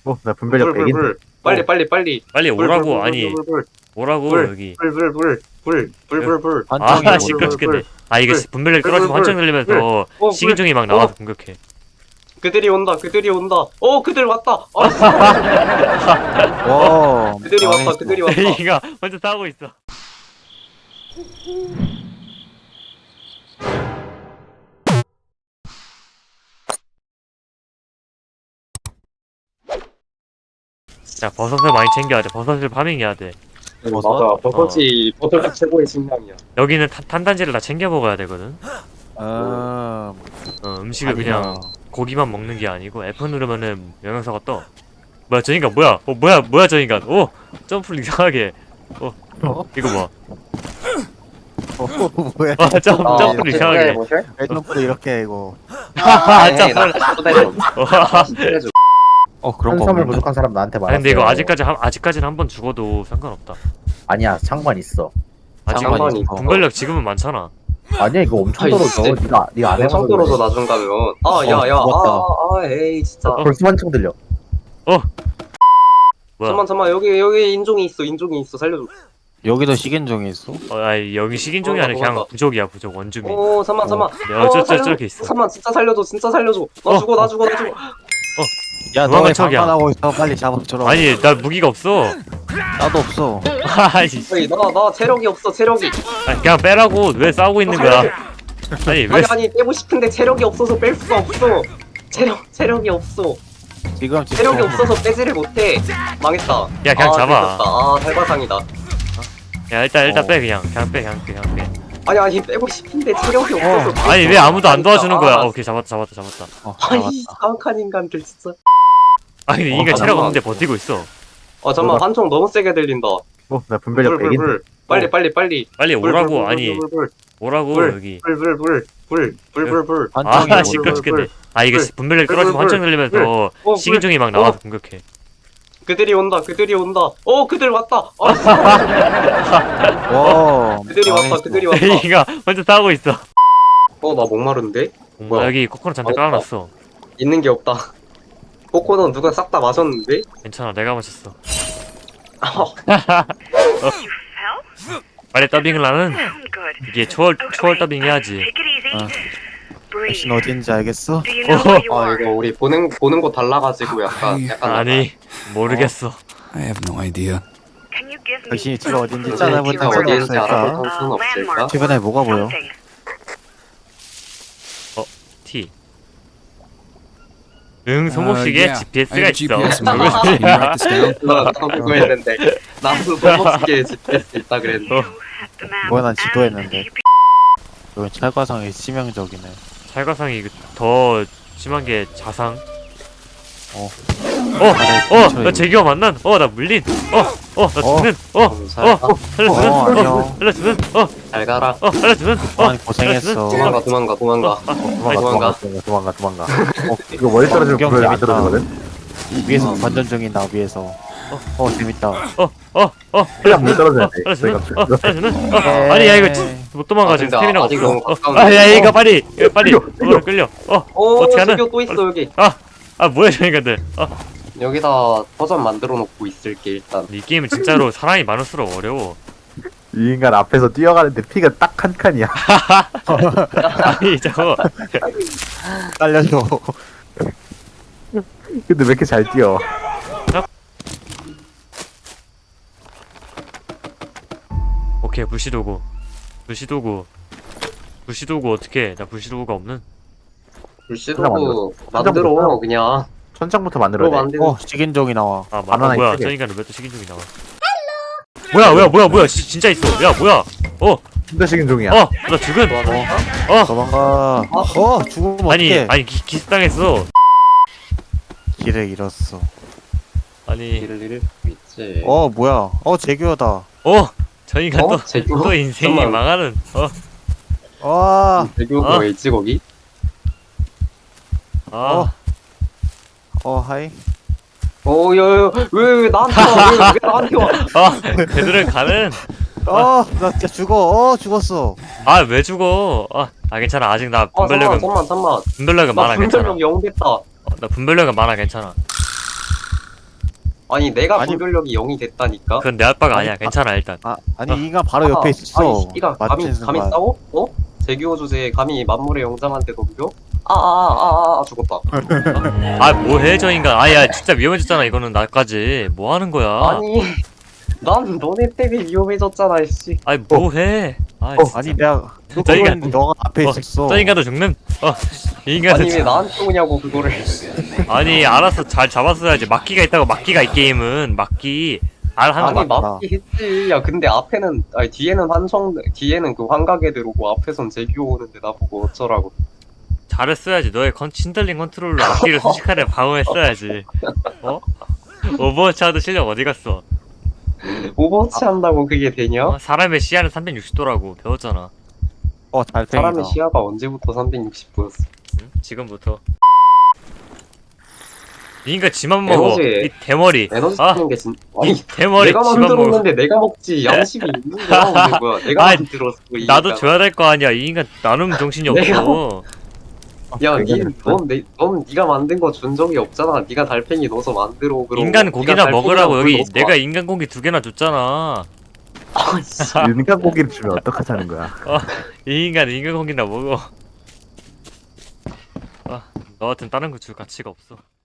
나 분별력 100인데. 빨리 오라고. 아니 오라고 여기. 아 시끄럽겠네. 아 이게 분별력 떨어지고 한참 들리면서 식인종이 막 나와서 공격해. 그들이 온다. 그들 왔다. 와. 그들이 왔다. 얘가 먼저 싸우고 있어. 자 버섯을 많이 챙겨야 돼. 버섯을 파밍해야 돼. 맞아. 버섯이 버섯이 최고의 식량이야. 여기는 탄단지를 다 챙겨 먹어야 되거든. 아. 음식을 그냥 고기만 먹는 게 아니고 F 누르면은 영양사가 떠. 뭐야 저 인간 뭐야? 뭐야 저 인간? 오 점프를 이상하게. 이거 뭐? 뭐야? 점프를 이상하게. 점프 이렇게 이거. 점프를. 그런 거 한섬을 없는데? 부족한 사람 나한테 아 말았어. 근데 이거 아직까지는 한 번 죽어도 상관없다. 아니야, 상관 있어. 아직 상관이 있어. 분별력 지금은 많잖아. 아니야, 이거 엄청 아이, 떨어져. 진짜. 네가 안 해봐서 엄청 떨어져 그래. 나중 가면. 죽었다. 에이 진짜. 벌써 한층 들려. 뭐야? 잠만 여기 인종이 있어 살려줘. 여기도 식인종이 있어? 아니 여기 식인종이 아니라 그냥 도망가. 부족이야 부족 원주민. 잠만. 저렇게 있어. 잠만 진짜 살려줘. 나 죽어. 야, 도망간 너왜 척이야. 방관하고 있어? 빨리 잡아줘라. 아니 나 무기가 없어. 나도 없어. 아니 에이, 나 체력이 없어. 그냥 빼라고. 왜 싸우고 있는 거야? 아니 왜? 아니 빼고 싶은데 체력이 없어서 뺄 수가 없어. 체력이 없어. 지금 체력이 없어서 빼지를 못해. 망했다. 야, 그냥 잡아. 들켰다. 탈바상이다. 야 일단 빼 그냥 빼. 아니 빼고 싶은데 체력이 없어서. 아니 왜 아무도 안 도와주는 거야? 오케이 잡았다. 아니 사악한 인간들 진짜. 아니 근데 인간 체력 잠깐만. 없는데 버티고 있어. 잠만 한총 너무 세게 들린다. 나 분별력 100인데. 빨리 오라고. 아니 오라고 여기. 불. 아 시끄러 죽겠네. 아 이게 분별력 떨어지고 한참 들리면서 식인종이 막 나와서 공격해. 그들이 온다. 그들 왔다. 와. 그들이 왔다. 얘가 먼저 싸우고 있어. 나 목마른데? 뭐야? 여기 코코넛 잔뜩 깔아놨어. 있는 게 없다. 코코넛 누가 싹 다 마셨는데? 괜찮아 내가 마셨어. 빨리 더빙을 하는 이게 초월 더빙 해야지. 당신 어딘지 알겠어? 이거 우리 보는 곳 달라가지고 약간 아니 모르겠어. I have no idea. 당신이 뒤가 어딘지 진짜 찾아볼 어디인지 수 알아볼 없을까? 수는 없을까? 주변에 뭐가 보여? T. 응 소모식에 yeah. GPS가 I have 있어. GPS in my watch. Can you write this down? 나도 그거 했는데 나도 너무 GPS 있다 그랬는데. 뭐야, 난 지도했는데. 여기 찰과상이 치명적이네. 찰과상이 더 심한 게 자상. 근처에 나 재규와 만난. 나 물린. 나 죽는. 살려주는. 잘 가라. 살려주는. 많이 고생했어. 도망가. 도망가. 이거 멀리 떨어지면 구경 불을 안 재밌다. 떨어지거든? 위에서 관전 중이다, 위에서. 재밌다. 그냥 못 떨어져야 돼. 살려주는. 아니 야 이거 못 도망가 지금 스태미나 아직 너무 없어. 가까운데. 야 이거 빨리 끌려. 끌려. 오 어떻게 하는? 저기 또 있어 여기. 뭐야 저 인간들. 여기다 버전 만들어 놓고 있을게 일단. 이 게임은 진짜로 사람이 많을수록 어려워. 이 인간 앞에서 뛰어가는데 피가 딱 한 칸이야. 아니 저거 살려줘. 근데 왜 이렇게 잘 뛰어? 오케이 불시도구 어떻게? 나 불시도구가 없는? 불씨도 만들어 그냥. 천장부터 만들어야 돼. 만들어. 식인종이 나와. 바나나 뭐야 있지? 저 인간은 왜 또 식인종이 나와? 뭐야 진짜 있어. 야 뭐야? 진짜 식인종이야. 나 죽은. 도망가. 죽으면 아니 어떡해. 기습당했어. 길을 잃었어. 아니 길을 잃을 수 있지. 뭐야. 재규어다. 저 인간 제규? 또 인생이 잠깐만. 망하는. 제규가 왜 있지 거기? 하이. 야야 왜 나한테 와? 왜 나한테 와? 그들은 가는. 나 진짜 죽었어. 왜 죽어? 괜찮아. 아직 나 분별력은 잠만. 분별력은 나 많아. 괜찮아. 분별력 0 됐다. 나 분별력은 많아. 괜찮아. 아니 내가 아니- 분별력이 0이 됐다니까. 그건 내 아빠가 아니야. 괜찮아 일단. 아니 이 인간 바로 옆에 있었어. 아니 씨가 감히 맞춘 감히 순간. 싸워? 어? 재규어 주제에 감히 만물의 영장한테 덤벼? 아아아아 죽었다. 아 뭐해 저 인간. 아야 진짜 위험해졌잖아 이거는 나까지. 뭐 하는 거야? 아니 난 너네 때문에 위험해졌잖아 씨. 아니 뭐해? 아 아니 내가 저 인간- 했는데 너가 앞에 어, 있었어. 저 인간도 죽는. 이 인간도 아니 왜 나한테 오냐고 그거를. 아니 알아서 잘 잡았어야지. 막기가 있다고. 막기가 이 게임은 막기. 하는 아니 거 맞다. 맞기 했지. 야 근데 앞에는 아니 뒤에는 뒤에는 그 환각 애들 오고 앞에선 재규어 오는데 나보고 어쩌라고. 잘했어야지. 너의 신들링 컨트롤로 앞뒤를 순식간에 방어했어야지. 어? 오버워치 하도 실력 어디 갔어? 오버워치 한다고 그게 되냐? 어? 사람의 시야는 360도라고 배웠잖아. 잘생기다. 사람의 시야가 언제부터 360도였어? 응? 지금부터. 이 인간 지만 먹어. 에너지- 이 대머리. 에너지 아, 쓰는 게 진. 아니 대머리 내가 지만 먹어. 만들었는데 내가 먹지 양심이 있는 거야 오늘 뭐야? 내가 아이, 만들었어. 이 나도 인간. 줘야 될 거 아니야. 이 인간 나눔 정신이 내가 없어. 야, 넌 네가 만든 거 준 적이 없잖아. 네가 달팽이 넣어서 만들어. 그럼 인간 네가 고기나 달팽이랑 먹으라고 물 여기 넣어서 내가 인간 고기 2개나 줬잖아. 아, 씨. 인간 고기를 주면 어떡하자는 거야. 이 인간 인간 고기나 먹어. 너 같은 다른 거 줄 가치가 없어.